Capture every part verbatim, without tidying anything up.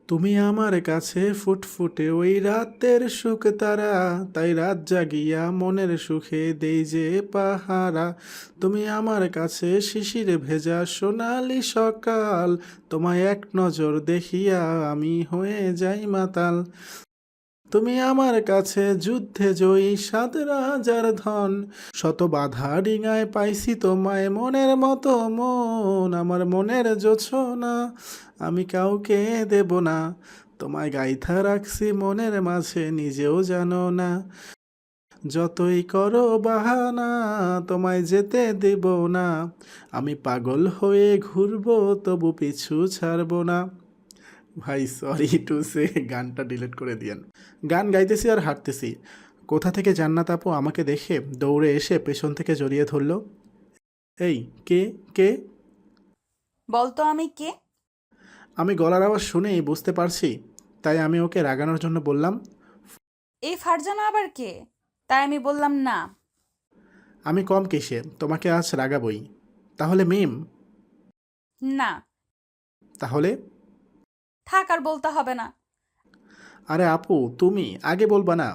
তুমি আমার কাছে ফুটফুটে ওই রাতের সুখ তারা, তাই রাত জাগিয়া মনের সুখে দেই যে পাহারা। তুমি আমার কাছে শিশিরে ভেজা সোনালি সকাল, তোমায় এক নজর দেখিয়া আমি হয়ে যাই মাতাল। তুমি আমার কাছে যুদ্ধে জয়ী সাত রাজার ধন, শত বাধা ডিঙায় পাইছি তোমায় মনের মতো মন। আমার মনের জোছনা আমি কাউকে দেব না, তোমায় গাইথা রাখছি মনের মাঝে নিজেও জানো না। যতই করো বাহানা তোমায় যেতে দেব না, আমি পাগল হয়ে ঘুরবো তবু পিছু ছাড়বো না। ভাই সরি টু সে, গানটা ডিলিট করে দিয়েন। গান গাইতেছি আর হাঁটতেছি, কোথা থেকে জান্নাত আপু আমাকে দেখে দৌড়ে এসে পেছন থেকে জড়িয়ে ধরল। এই কে কে? বলতো আমি কে? আমি গলার আওয়াজ শুনেই বুঝতে পারছি, তাই আমি ওকে রাগানোর জন্য বললাম, এই ফারজানা আবার কে? তাই আমি বললাম না। আমি কম কিসে, তোমাকে আজ রাগাবই। তাহলে মিম? না, তাহলে? থাক আর বলতে হবে না। আরে আপু তুমি আগে বলবা না?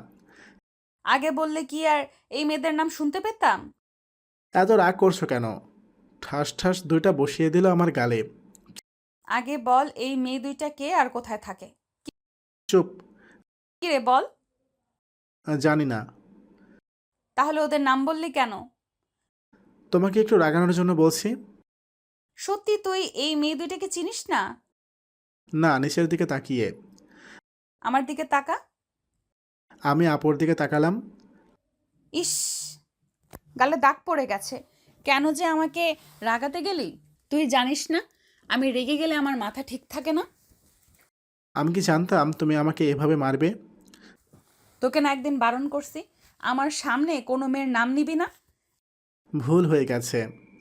আগে বললে কি আর এই মেয়েদের নাম শুনতে পেতাম? এত রাগ করছো কেন? ঠাস ঠাস দুইটা বসিয়ে দিল আমার গালে। আগে বল এই মেয়ে দুইটা কে আর কোথায় থাকে? চুপ। কি রে বল। জানি না। তাহলে ওদের নাম বললি কেন? তোমাকে একটু রাগানোর জন্য বলছি। সত্যি তুই এই মেয়ে দুইটাকে চিনিস না? না, নিচের দিকে তাকিয়ে। আমার দিকে তাকা। আমি আপুর দিকে তাকালাম। ইস, গালে দাগ পড়ে গেছে। কেন যে আমাকে রাগাতে গেলি? তুই জানিস না আমি রেগে গেলে আমার মাথা ঠিক থাকে না। আমি কি জানতাম তুমি আমাকে এভাবে মারবে? তোকে না একদিন বারণ করছি আমার সামনে কোনো মেয়ের নাম নিবি না। ভুল হয়ে গেছে।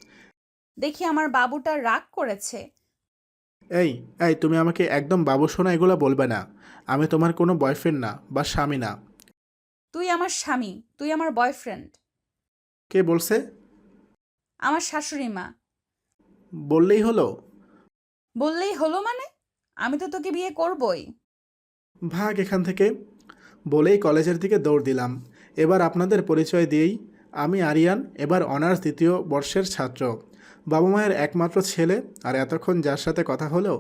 দেখি আমার বাবুটা রাগ করেছে। এই এই তুমি আমাকে একদম বাবু সোনা এগুলো বলবে না। আমি তোমার কোনো বয়ফ্রেন্ড না বা স্বামী না। তুই আমার স্বামী, তুই আমার বয়ফ্রেন্ড। কে বলছে? আমার শাশুড়ি মা। বললেই হলো? বললেই হলো মানে? আমি তো তোকে বিয়ে করবই। ভাগ এখান থেকে। বলেই কলেজের দিকে দৌড় দিলাম। এবার আপনাদের পরিচয় দিয়েই, আমি আরিয়ান, এবার অনার্স দ্বিতীয় বর্ষের ছাত্র, বাবা মায়ের একমাত্র ছেলে। আর এতক্ষণ যার সাথে কথা হলো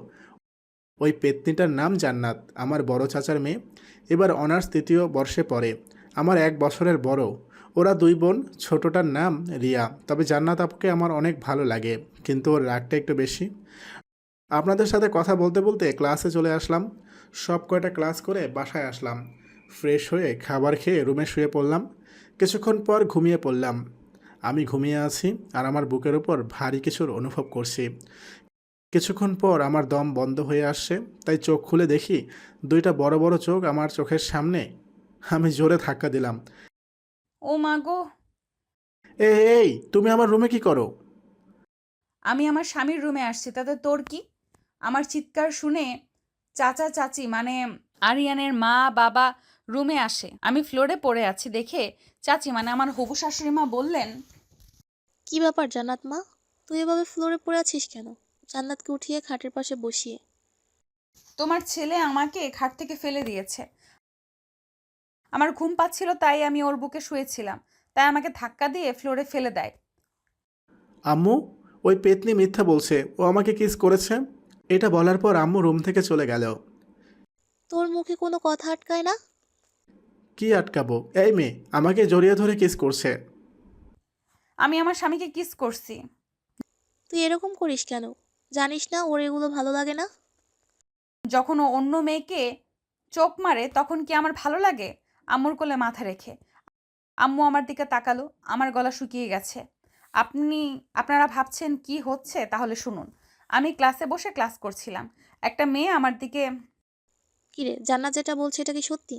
ওই পেত্নীটার নাম জান্নাত, আমার বড় চাচার মেয়ে। এবার অনার্স তৃতীয় বর্ষে পড়ে, আমার এক বছরের বড়। ওরা দুই বোন, ছোটটার নাম রিয়া। তবে জান্নাত আপুকে আমার অনেক ভালো লাগে, কিন্তু ওর রাগটা একটু বেশি। আপনাদের সাথে কথা বলতে বলতে ক্লাসে চলে আসলাম। সব কয়টা ক্লাস করে বাসায় আসলাম। ফ্রেশ হয়ে খাবার খেয়ে রুমে শুয়ে পড়লাম। কিছুক্ষণ পর ঘুমিয়ে পড়লাম। আমি ঘুমিয়ে আছি আর আমার বুকের ওপর ভারী কিছুর অনুভব করছি। কিছুক্ষণ পর আমার দম বন্ধ হয়ে আসছে, তাই চোখ খুলে দেখি দুইটা বড় বড় চোখ আমার চোখের সামনে। আমি জোরে ধাক্কা দিলাম। ও মা গো। এই এই তুমি আমার রুমে কি করো? আমি আমার স্বামীর রুমে আসছি, তাতে তোর কি? আমার চিৎকার শুনে চাচা চাচি মানে আরিয়ানের মা বাবা রুমে আসে। আমি ফ্লোরে পড়ে আছি দেখে চাচি মানে আমার হবু শাশুড়ি মা বললেন, কি ব্যাপার জান্নাত মা? তুই এভাবে ফ্লোরে পড়ে আছিস কেন? জান্নাতকে উঠিয়ে খাটের পাশে বসিয়ে। তোমার ছেলে আমাকে খাট থেকে ফেলে দিয়েছে। আমার ঘুম পাচ্ছিল তাই আমি ওর বুকে শুয়েছিলাম, তাই আমাকে ধাক্কা দিয়ে ফ্লোরে ফেলে দেয়। আম্মু, ওই পেতনি মিথ্যা বলছে, ও আমাকে কিস করেছে। এটা বলার পর আম্মু রুম থেকে চলে গেল। তোর মুখে কোনো কথা আটকায় না? কি আটকাবো? এই মেয়ে আমাকে জড়িয়ে ধরে কিস করছে। আমি আমার স্বামীকে কিস করছি। তুই এরকম করিস কেন? জানিস না ওর এগুলো ভালো লাগে না? যখন ও অন্য মেয়েকে চোখ মারে তখন কি আমার ভালো লাগে? আম্মুর কোলে মাথা রেখে আম্মু আমার দিকে তাকালো, আমার গলা শুকিয়ে গেছে। আপনি আপনারা ভাবছেন কি হচ্ছে, তাহলে শুনুন। আমি ক্লাসে বসে ক্লাস করছিলাম, একটা মেয়ে আমার দিকে। কিরে, জান্নাত যেটা বলছে এটা কি সত্যি?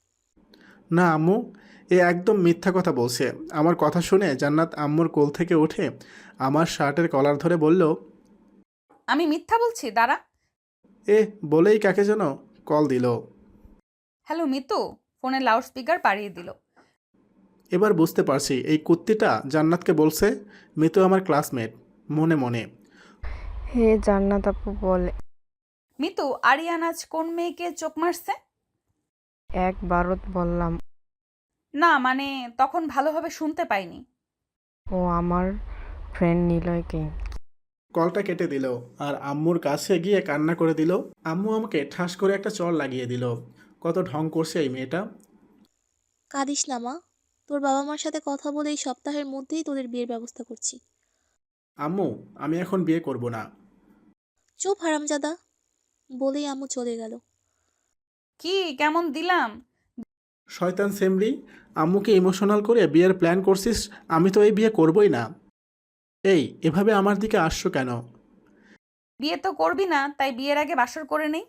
না আম্মু, এ একদম মিথ্যা কথা বলছে। আমার কথা শুনে জান্নাত আম্মুর কোল থেকে উঠে আমার শার্টের কলার ধরে বলল, আমি মিথ্যা বলছি? দাঁড়া। এ বলেই কাকে যেন কল দিল। হ্যালো মিতু, ফোনের লাউড স্পিকার বাড়িয়ে দিল। এবার বুঝতে পারছি এই কুত্তিটা জান্নাতকে বলছে মিতু আমার ক্লাসমেট। মনে মনে হে জান্নাত আপু বলে মিতু, আরিয়ান আজ কোন মেয়েকে চোখ মারছে? একবারত বললাম। না মানে তখন ভালোভাবে শুনতে পাইনি। ও আমার ফ্রেন্ড নিলয়কে। কলটা কেটে দিল আর আম্মুর কাছে গিয়ে কান্না করে দিল। আম্মু আমাকে ঠাস করে একটা চড় লাগিয়ে দিল। কত ঢং করছে এই মেয়েটা। কাঁদিস না মা, তোর বাবা মার সাথে কথা বলে এই সপ্তাহের মধ্যেই তোদের বিয়ের ব্যবস্থা করছি। আম্মু, আমি এখন বিয়ে করব না। চুপ হারামজাদা, বলেই আম্মু চলে গেল। কি কেমন দিলাম? শয়তান সেমরি, আম্মুকে ইমোশনাল করে বিয়ের প্ল্যান করছিস? আমি তো এই বিয়ে করবই না। এই, এভাবে আমার দিকে আসছো কেন? বিয়ে তো করবি না, তাই বিয়ের আগে বাসর করে নেই।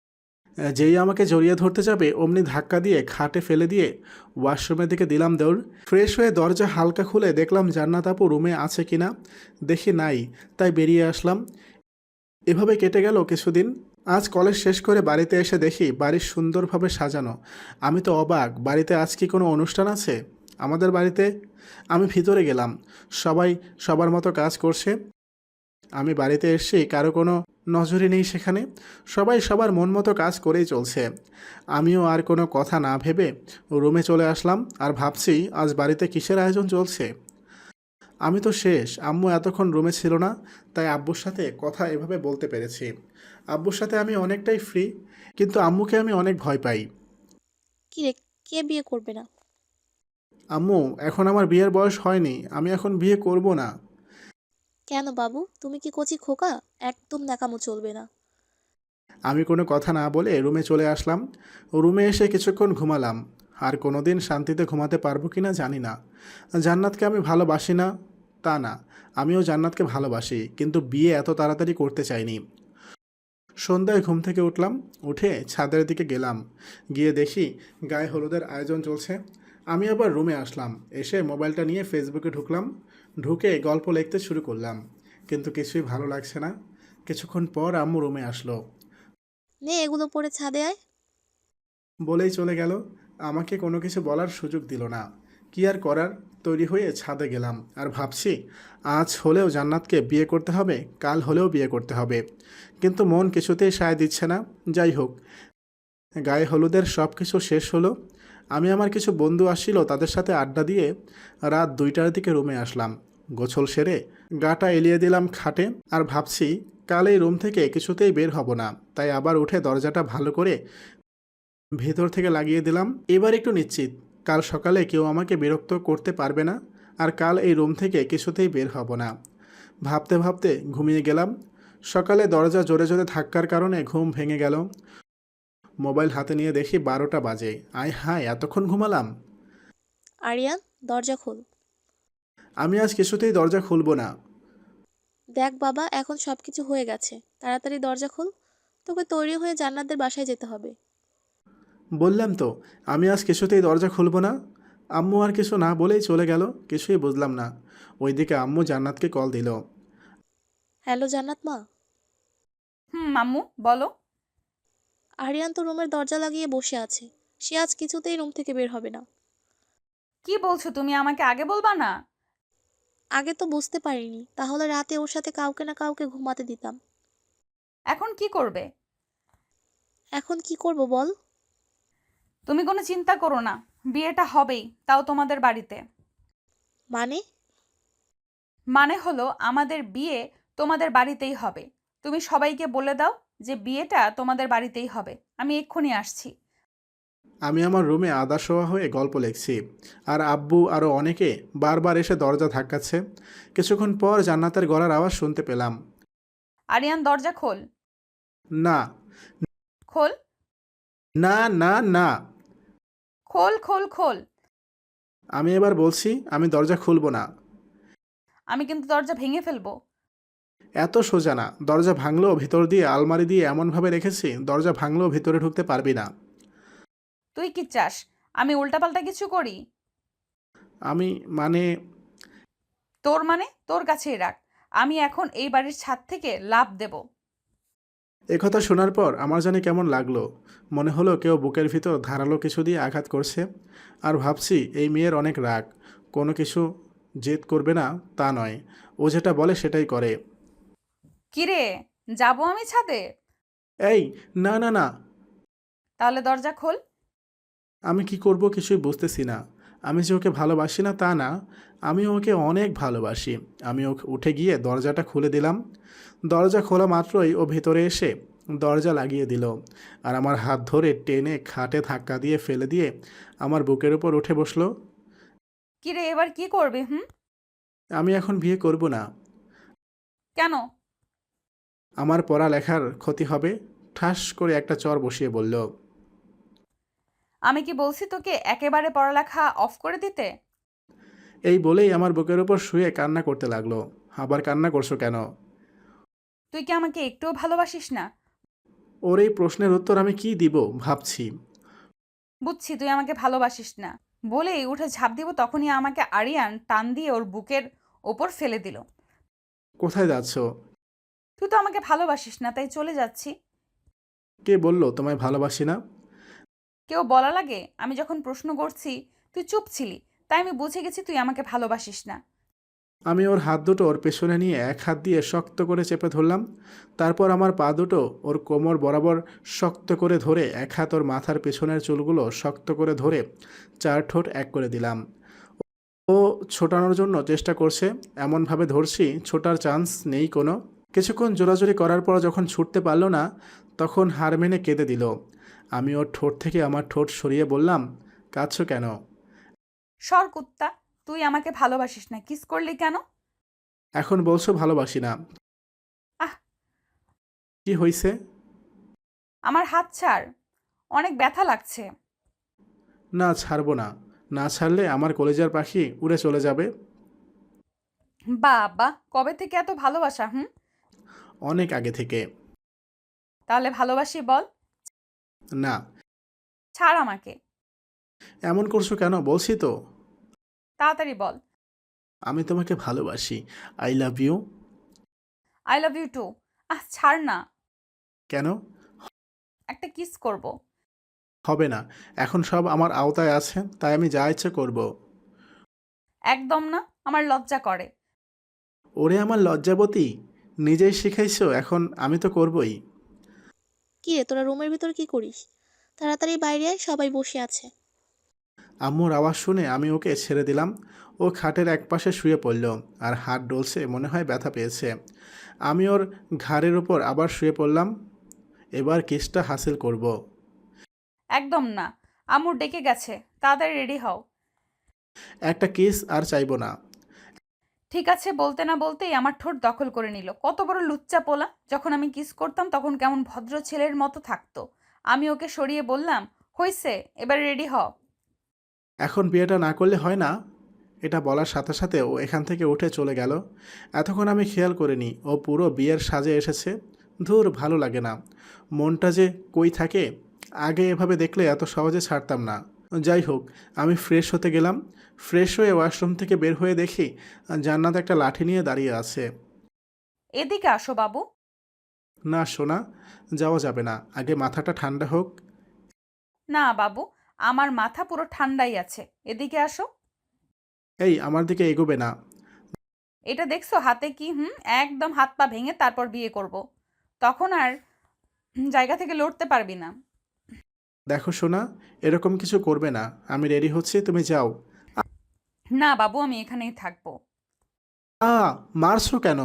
যেই আমাকে জড়িয়ে ধরতে যাবে অমনি ধাক্কা দিয়ে খাটে ফেলে দিয়ে ওয়াশরুমের দিকে দিলাম দৌড়। ফ্রেশ হয়ে দরজা হালকা খুলে দেখলাম জান্নাত আপু রুমে আছে কিনা। দেখি নাই, তাই বেরিয়ে আসলাম। এভাবে কেটে গেল কিছুদিন। আজ কলেজ শেষ করে বাড়িতে এসে দেখি বাড়ি সুন্দরভাবে সাজানো। আমি তো অবাক, বাড়িতে আজ কি কোনো অনুষ্ঠান আছে আমাদের বাড়িতে? আমি ভিতরে গেলাম, সবাই সবার মতো কাজ করছে। আমি বাড়িতে এসেছি, কারো কোনো নজরই নেই সেখানে। সবাই সবার মন মতো কাজ করেই চলছে। আমিও আর কোনো কথা না ভেবে রুমে চলে আসলাম আর ভাবছি আজ বাড়িতে কিসের আয়োজন চলছে। আমি তো শেষ। আম্মু এতক্ষণ রুমে ছিল না, তাই আব্বুর সাথে কথা এভাবে বলতে পেরেছি। আব্বুর সাথে আমি অনেকটাই ফ্রি, কিন্তু আম্মুকে আমি অনেক ভয় পাই। কি রে, কে বিয়ে করবে না? আম্মু, এখন আমার বিয়ের বয়স হয়নি, আমি এখন বিয়ে করব না। কেন বাবু, তুমি কি কচি খোকা? একদম ন্যাকামো চলবে না। আমি কোনো কথা না বলে রুমে চলে আসলাম। রুমে এসে কিছুক্ষণ ঘুমালাম। আর কোনো দিন শান্তিতে ঘুমাতে পারবো কি না জানি না। জান্নাতকে আমি ভালোবাসি না তা না, আমিও জান্নাতকে ভালোবাসি, কিন্তু বিয়ে এত তাড়াতাড়ি করতে চাইনি। সন্ধ্যায় ঘুম থেকে উঠলাম, উঠে ছাদের দিকে গেলাম। গিয়ে দেখি গায়ে হলুদের আয়োজন চলছে। আমি আবার রুমে আসলাম, এসে মোবাইলটা নিয়ে ফেসবুকে ঢুকলাম। ঢুকে গল্প লিখতে শুরু করলাম, কিন্তু কিছুই ভালো লাগছে না। কিছুক্ষণ পর আম্মু রুমে আসলো, নে এগুলো পরে ছাদে আয়। বলেই চলে গেল। আমাকে কোনো কিছু বলার সুযোগ দিল না। কি আর করার, তৈরি হয়ে ছাদে গেলাম আর ভাবছি আজ হলেও জান্নাতকে বিয়ে করতে হবে, কাল হলেও বিয়ে করতে হবে। কিন্তু মন কিছুতেই সায় দিচ্ছে না। যাই হোক, গায়ে হলুদের সব কিছু শেষ হলো। আমি আমার কিছু বন্ধু আসছিল, তাদের সাথে আড্ডা দিয়ে রাত দুইটার দিকে রুমে আসলাম। গোছল সেরে গাটা এলিয়ে দিলাম খাটে আর ভাবছি কাল এই রুম থেকে কিছুতেই বের হব না। তাই আবার উঠে দরজাটা ভালো করে ভেতর থেকে লাগিয়ে দিলাম। এবার একটু নিশ্চিত কাল সকালে কেউ আমাকে বিরক্ত করতে পারবে না, আর কাল এই রুম থেকে কিছুতেই বের হব না। ভাবতে ভাবতে ঘুমিয়ে গেলাম। সকালে দরজা জোরে জোরে ধাক্কার কারণে ঘুম ভেঙে গেল। মোবাইল হাতে নিয়ে দেখি বারোটা বাজে। আয় হায়, এতক্ষণ ঘুমালাম। আরিয়ান, দরজা খোল। আমি আজ কিছুতেই দরজা খুলব না। দেখ বাবা, এখন সবকিছু হয়ে গেছে, তাড়াতাড়ি দরজা খোল। তোকে তৈরি হয়ে জান্নাতদের বাসায় যেতে হবে। বললাম তো, আমি আজ কিছুতেই দরজা খুলব না। আম্মু আর কিছু না বলেই চলে গেল। কিছুই বুঝলাম না। ওইদিকে আম্মু জান্নাতকে কল দিল। হ্যালো জান্নাত মা। হুম মাম্মু বলো। আরিয়ান তো রুমের দরজা লাগিয়ে বসে আছে, সে আজ কিছুতেই রুম থেকে বের হবে না। কি বলছো তুমি, আমাকে আগে বলবা না? আগে তো বুঝতে পারিনি, তাহলে রাতে ওর সাথে কাউকে না কাউকে ঘুমাতে দিতাম। এখন কি করবে? এখন কি করব বল? তুমি কোনো চিন্তা করো না, বিয়েটা হবেই, তাও তোমাদের বাড়িতে। মানে? মানে হলো আমাদের বিয়ে তোমাদের বাড়িতেই হবে। তুমি সবাইকে বলে দাও যে বিয়েটা তোমাদের বাড়িতেই হবে। আমি এক্ষুনি আসছি। আমি আমার রুমে আদা শোয়া হয়ে গল্প লিখছি, আর আব্বু আরও অনেকে বারবার এসে দরজা ধাক্কাচ্ছে। কিছুক্ষণ পর জান্নাতের গলার আওয়াজ শুনতে পেলাম। আরিয়ান দরজা খোল। না খোল না না না। খোল খোল খোল। আমি এবার বলছি, আমি দরজা খুলব না। আমি কিন্তু দরজা ভেঙে ফেলবো। এত সোজা না, দরজা ভাঙলেও ভিতর দিয়ে আলমারি দিয়ে এমনভাবে রেখেছি দরজা ভাঙলেও ভিতরে ঢুকতে পারবি না। তুই কি চাস আমি উল্টাপাল্টা কিছু করি? আমি মানে তোর মানে তোর কাছেই রাখ। আমি এখন এই বাড়ির ছাদ থেকে লাফ দেব। একথা শোনার পর আমার জানি কেমন লাগলো। মনে হলো কেউ বুকের ভিতর ধারালো কিছু দিয়ে আঘাত করছে। আর ভাবছি এই মেয়ের অনেক রাগ, কোনো কিছু জেদ করবে না তা নয়, ও যেটা বলে সেটাই করে। কিরে, যাবো আমি ছাদে? এই, না না না। তাহলে দরজা খোল। আমি কি করব কিছুই বুঝতেছি না। আমি যে ওকে ভালোবাসি না তা না, আমি ওকে অনেক ভালোবাসি। আমি ওকে উঠে গিয়ে দরজাটা খুলে দিলাম। দরজা খোলা মাত্রই ও ভেতরে এসে দরজা লাগিয়ে দিল আর আমার হাত ধরে টেনে খাটে ধাক্কা দিয়ে ফেলে দিয়ে আমার বুকের উপর উঠে বসলো। কিরে এবার কি করবি? হুম? আমি এখন বিয়ে করব না। কেন? আমার পড়ালেখার ক্ষতি হবে। ঠাস করে একটা চর বসিয়ে বলল। আমি কি বলছি তোকে একেবারে পড়ালেখা অফ করে দিতে? এই বলেই আমার বুকের উপর শুয়ে কান্না করতে লাগলো। আবার কান্না করছো কেন? তুই কি আমাকে একটুও ভালোবাসিস না? ওর এই প্রশ্নের উত্তর আমি কি দিব ভাবছি। বুঝছি তুই আমাকে ভালোবাসিস না বলেই উঠে ঝাঁপ দিব, তখনই আমাকে আরিয়ান টান দিয়ে ওর বুকের ওপর ফেলে দিল। কোথায় যাচ্ছ? তুই তো আমাকে ভালোবাসিস না, তাই চলে যাচ্ছি। কে বলল তোমায় ভালোবাসি না? কেউ বলা লাগে? আমি যখন প্রশ্ন করছি তুই চুপ ছিলি, তাই আমি বুঝে গেছি তুই আমাকে ভালোবাসিস না। আমি ওর হাত দুটো ওর পেছনে নিয়ে এক হাত দিয়ে শক্ত করে চেপে ধরলাম। তারপর আমার পা দুটো ওর কোমর বরাবর শক্ত করে ধরে এক হাত ওর মাথার পেছনের চুলগুলো শক্ত করে ধরে চার ঠোঁট এক করে দিলাম। ও ছোটানোর জন্য চেষ্টা করছে, এমনভাবে ধরছি ছোটার চান্স নেই কোনো। কিছুক্ষণ জোরাজোরি করার পর যখন ছুটতে পারল না, তখন হার মেনে কেঁদে দিল। আমি ওর ঠোঁট থেকে আমার ঠোঁট সরিয়ে বললাম, কাঁদছো কেন? সর কুত্তা, তুই আমাকে ভালোবাসিস না, কিস করলি কেন? এখন বলছো ভালোবাসি না। আহ! কি হয়েছে? আমার হাত ছাড়, অনেক ব্যথা লাগছে। না, ছাড়বো না। না ছাড়লে আমার কলেজার পাখি উড়ে চলে যাবে। বাবা, কবে থেকে এত ভালোবাসা? হুম? অনেক আগে থেকে। তাহলে ভালোবাসি বল। না। ছাড় আমাকে। এমন করছো কেন? বলছি তো। তাড়াতাড়ি বল। আমি তোমাকে ভালোবাসি। I love you. I love you too. আহ, ছাড় না। কেন? একটা কিস করব। হবে না। এখন সব আমার আওতায় আছে, তাই আমি যা ইচ্ছে করব। একদম না, আমার লজ্জা করে। ওরে আমার লজ্জাবতী, নিজেই শিখাইছো, এখন আমি তো করবই। কি রে, তোরা রুমের ভিতর কি করিস? তাড়াতাড়ি বাইরে আয়, সবাই বসে আছে। আম্মুর আওয়াজ শুনে আমি ওকে ছেড়ে দিলাম। ও খাটের একপাশে শুয়ে পড়ল আর হাত ডলছে, মনে হয় ব্যথা পেয়েছে। আমি ওর ঘাড়ের উপর আবার শুয়ে পড়লাম। এবার কিসটা হাসিল করব। একদম না, আম্মু ডেকে গেছে, তাড়াতাড়ি রেডি হও। একটা কিস আর চাইবো না। ঠিক আছে বলতে না বলতেই আমার ঠোঁট দখল করে নিল। কত বড় লুচ্চা পোলা! যখন আমি কিস করতাম তখন কেমন ভদ্র ছেলের মতো থাকতো। আমি ওকে সরিয়ে বললাম, হইছে, এবার রেডি হ। এখন বিয়েটা না করলে হয় না? এটা বলার সাথে সাথে ও এখান থেকে উঠে চলে গেল। এতক্ষণ আমি খেয়াল করিনি ও পুরো বিয়ের সাজে এসেছে। ধুর, ভালো লাগে না। মনটা যে কই থাকে। আগে এভাবে দেখলে এত সহজে ছাড়তাম না। যাই হোক, আমি ফ্রেশ হতে গেলাম। ফ্রেশ হয়ে ওয়াশরুম থেকে বের হয়ে দেখি জান্নাত একটা লাঠি নিয়ে দাঁড়িয়ে আছে। এদিকে আসো বাবু। না সোনা, যাওয়া যাবে না, আগে মাথাটা ঠান্ডা হোক। না বাবু, আমার মাথা পুরো ঠান্ডাই আছে, এদিকে আসো। এই, আমার দিকে এগোবে না। এটা দেখছো হাতে কি? হুম, একদম হাত পা ভেঙে তারপর বিয়ে করব। তখন আর জায়গা থেকে লড়তে পারবি না। দেখো সোনা, এরকম কিছু করবে না। আমি রেডি হচ্ছি, তুমি যাও। না বাবু, আমি এখানেই থাকবো। আ মারছো কেন?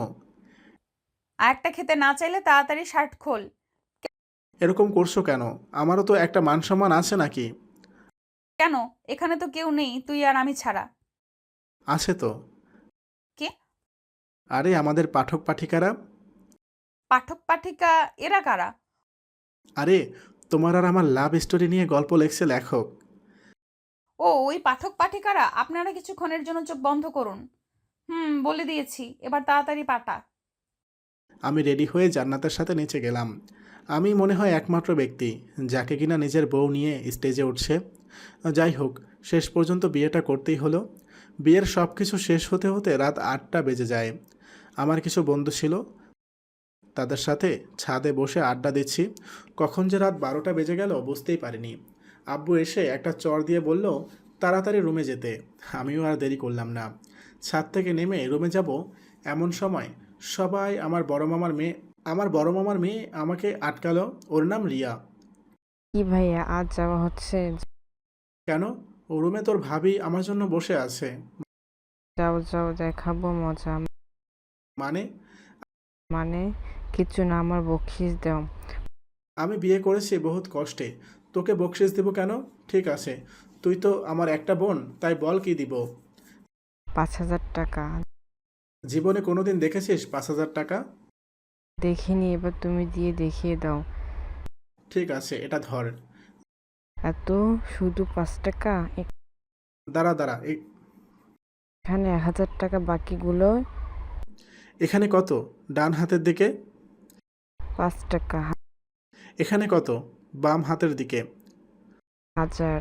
আর একটা খেতে না চাইলে তাড়াতাড়ি শার্ট খোল। এরকম করছো কেন? আমারও তো একটা মান সম্মান আছে নাকি? কেন? এখানে তো কেউ নেই, তুই আর আমি ছাড়া। আছে তো। কে? আরে আমাদের পাঠক পাঠিকারা। পাঠক পাঠিকা? এরা কারা? আরে, তোমার আর আমার লাভ স্টোরি নিয়ে গল্প লেখছে লেখক। ও, ওই পাঠক পাঠিকারা? আপনারা কিছুক্ষণের জন্য চোখ বন্ধ করুন। হুম, বলে দিয়েছি, এবার তাড়াতাড়ি পাঠা। আমি রেডি হয়ে জান্নাতের সাথে নিচে গেলাম। আমি মনে হয় একমাত্র ব্যক্তি যাকে কিনা নিজের বউ নিয়ে স্টেজে উঠছে। যাই হোক, শেষ পর্যন্ত বিয়েটা করতেই হলো। বিয়ের সব কিছু শেষ হতে হতে রাত আটটা বেজে যায়। আমার কিছু বন্ধু ছিল, তাদের সাথে ছাদে বসে আড্ডা দিচ্ছি। কখন যে রাত বারোটা বেজে গেল বুঝতেই পারিনি। আব্বু এসে একটা চর দিয়ে বলল তাড়াতাড়ি রুমে যেতে। আমিও আর দেরি করলাম না। ছাদ থেকে নেমে রুমে যাব, এমন সময় সবাই আমার বড় মামার মেয়ে আমার বড় মামার মেয়ে আমাকে আটকালো, ওর নাম রিয়া। কি ভাইয়া আজ যাওয়া হচ্ছে? কেন? ও রুমে তোর ভাবি আমার জন্য বসে আছে। যাও যাও দেখাবো মজা। মানে? মানে কিছু না, আমার বকশিস দাও। আমি বিয়ে করেছি বহুত কষ্টে, তোকে বকশিস দিব কেন? ঠিক আছে, তুই তো আমার একটা বোন, তাই বল কি দিব। পাঁচ হাজার টাকা। জীবনে কোনোদিন দেখেছিস পাঁচ হাজার টাকা? দেখিনি, এবার তুমি দিয়ে দেখিয়ে দাও। ঠিক আছে, এটা ধর। এত শুধু পাঁচ টাকা? এ- দাঁড়া দাঁড়া, এ- এখানে এক হাজার টাকা, বাকিগুলো এখানে কত? ডান হাতের দিকে। পাঁচ টাকা। এখানে কত? বাম হাতের দিকে। হাজার।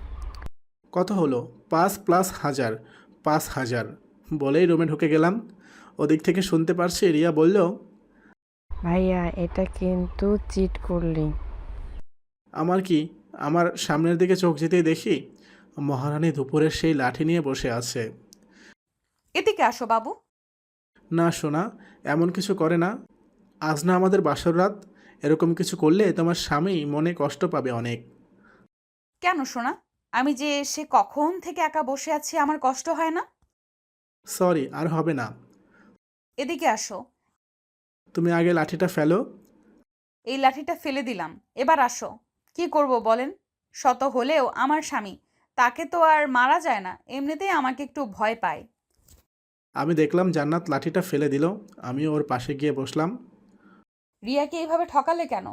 কত হলো? পাঁচ প্লাস হাজার, পাঁচ হাজার। বলেই রুমে ঢুকে গেলাম। ওদিক থেকে শুনতে পারছি রিয়া বলল, ভাইয়া এটা কিন্তু চিট করলি। আমার কি? আমার সামনের দিকে চোখ যেতেই দেখি মহারানী দুপুরের সেই লাঠি নিয়ে বসে আছে। এদিকে আসো বাবু। না সোনা, এমন কিছু করে না। আজ না আমাদের বাসর রাত, এরকম কিছু করলে তোমার স্বামী মনে কষ্ট পাবে অনেক। কেন শোনা? আমি যে সে কখন থেকে একা বসে আছি, আমার কষ্ট হয় না? সরি, আর হবে না। এদিকে আসো। তুমি আগে লাঠিটা ফেলো। এই লাঠিটা ফেলে দিলাম, এবার আসো। কি করব বলেন? শত হলেও আমার স্বামী, তাকে তো আর মারা যায় না, এমনিতেই আমাকে একটু ভয় পায়। আমি দেখলাম জান্নাত লাঠিটা ফেলে দিল, আমি ওর পাশে গিয়ে বসলাম। রিয়াকে এইভাবে ঠকালে কেন?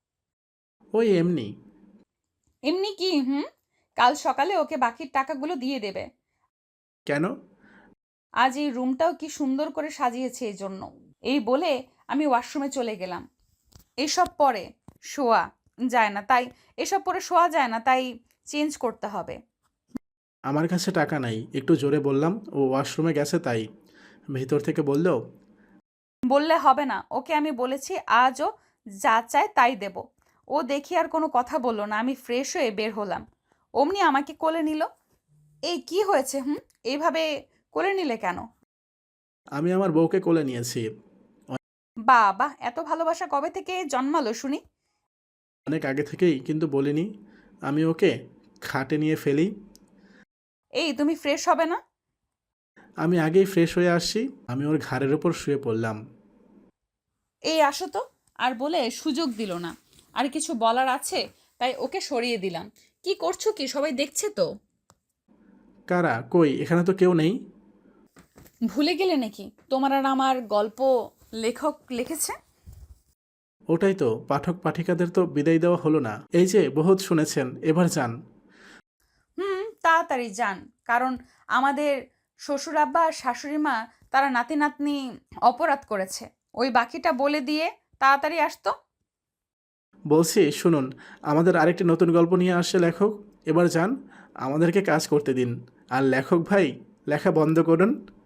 ওই এমনি। এমনি কি? হুম, কাল সকালে ওকে বাকির টাকাগুলো দিয়ে দেবে। কেন? আজ এই রুমটাও কি সুন্দর করে সাজিয়েছে এই জন্য। এই বলে আমি ওয়াশরুমে চলে গেলাম। এসব পরে শোয়া যায় না, তাই এসব পরে শোয়া যায় না, তাই চেঞ্জ করতে হবে। আমার কাছে টাকা নাই, একটু জোরে বললাম। ও ওয়াশরুমে গেছে তাই। ভিতর থেকে বলল, বললে হবে না, ওকে আমি বলেছি আজও যা চায় তাই দেব। ও দেখি আর কোনো কথা বললো না, আমি ফ্রেশ হয়ে বের হলাম। অমনি আমাকে কোলে নিল। এই কি হয়েছে? হুম, এইভাবে কোলে নিলে কেন? আমি আমার বউকে কোলে নিয়েছি। বাবা, এত ভালোবাসা কবে থেকে জন্মালো শুনি? অনেক আগে থেকেই, কিন্তু বলিনি। আমি ওকে খাটে নিয়ে ফেলি। এই তুমি ফ্রেশ হবে না? আমি আগেই ফ্রেশ হয়ে আসছি। আমি ওর ঘাড়ের ওপর শুয়ে পড়লাম। এই আসো তো। আর বলে সুযোগ দিল না। আর কিছু বলার আছে, তাই ওকে সরিয়ে দিলাম। কি করছো কি? সবাই দেখছে তো। কারা? কই, এখানে তো কেউ নেই। ভুলে গেলে নাকি তোমার আর আমার গল্প লেখক লিখেছে? ওটাই তো, পাঠক পাঠিকাদের তো বিদায় দেওয়া হলো না। এই যে বহুত শুনেছেন, এবার যান। হুম, তাড়াতাড়ি যান। কারণ আমাদের শ্বশুর আব্বা আর শাশুড়ি মা, তারা নাতি নাতনি অপরাধ করেছে। ওই বাকিটা বলে দিয়ে তাড়াতাড়ি আসতো। বলছি শুনুন, আমাদের আরেকটি নতুন গল্প নিয়ে আসছে লেখক। এবার যান, আমাদেরকে কাজ করতে দিন। আর লেখক ভাই, লেখা বন্ধ করুন।